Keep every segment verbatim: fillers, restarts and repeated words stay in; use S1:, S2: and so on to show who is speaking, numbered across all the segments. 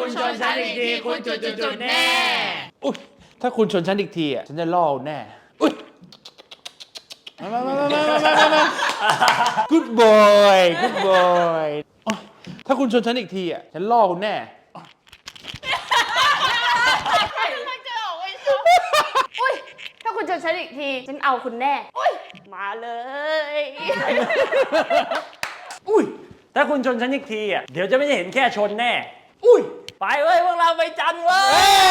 S1: คุณชนฉันอีกทีคุณจุดๆๆแน่
S2: อุ๊ยถ้าคุณชนฉันอีกทีอ่ะฉันจะล่อแน่อุ๊ยมามามามามามามา good boy good boy ถ้าคุณชนฉันอีกทีอ่ะฉันล่อคุณแน่
S3: อุ้ยถ้าคุณชนฉันอีกทีฉันเอาคุณแน่อุ้ยมาเลย
S1: อุ้ยถ้าคุณชนฉันอีกทีอ่ะเดี๋ยวจะไม่ได้เห็นแค่ชนแน่อุ้ยไปเว้ยพวกเราไปจันเว้ย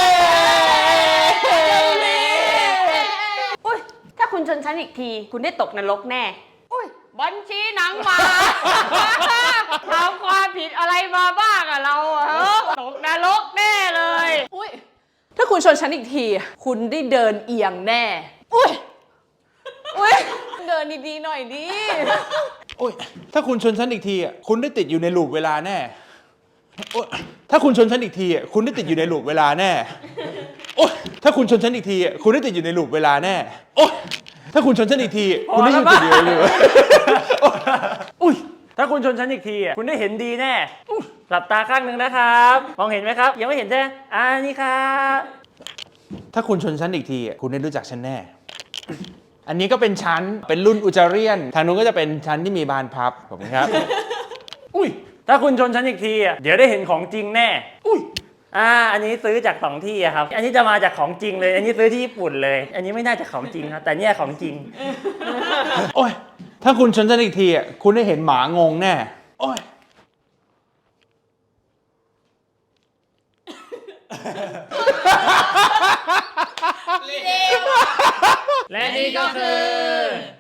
S3: อุ้ยถ้าคุณชนฉันอีกทีคุณได้ตกนรกแน่อุ้ยบัญชีหนังหมาทำความผิดอะไรมาบ้างอะเราอะตกนรกแน่เลย
S4: อุ้ยถ้าคุณชนฉันอีกทีคุณได้เดินเอียงแน่อุ้ยอุ้ยเดินดีๆหน่อยดิ
S2: โอ้ยถ้าคุณชนฉันอีกทีอ่ะคุณได้ติดอยู่ในลูปเวลาแน่โอ้ยถ้าคุณชนฉันอีกทีอ่ะคุณได้ติดอยู่ในลูปเวลาแน่โอ้ยถ้าคุณชนฉันอีกทีอ่ะคุณได้ติดอยู่ในลูปเวลาแน่โอ้ยถ้าคุณชนฉันอีกทีคุณได้ติดอยู่ในลูป
S1: อุ้ยถ้าคุณชนฉันอีกทีอ่ะคุณได้เห็นดีแน่หลับตาข้างหนึ่งนะครับมองเห็นไหมครับยังไม่เห็นใช่ไหมอ่านี่ครับ
S2: ถ้าคุณชนฉันอีกทีอ่ะคุณได้รู้จักฉันแน่อันนี้ก็เป็นชั้นเป็นรุ่นอุจาเรียนทางนู้นก็จะเป็นชั้นที่มีบานพับผมครับ
S1: อุ้ยถ้าคุณชนฉันอีกทีอ่ะเดี๋ยวได้เห็นของจริงแน่อุ้ยอ่าอันนี้ซื้อจากสองที่อะครับอันนี้จะมาจากของจริงเลยอันนี้ซื้อที่ญี่ปุ่นเลยอันนี้ไม่น่าจะของจริงครับแต่เนี่ยของจริง
S2: โอ้ยถ้าคุณชนฉันอีกทีอ่ะคุณได้เห็นหมางงแน่โอ้ย
S1: และนี่ก็คือ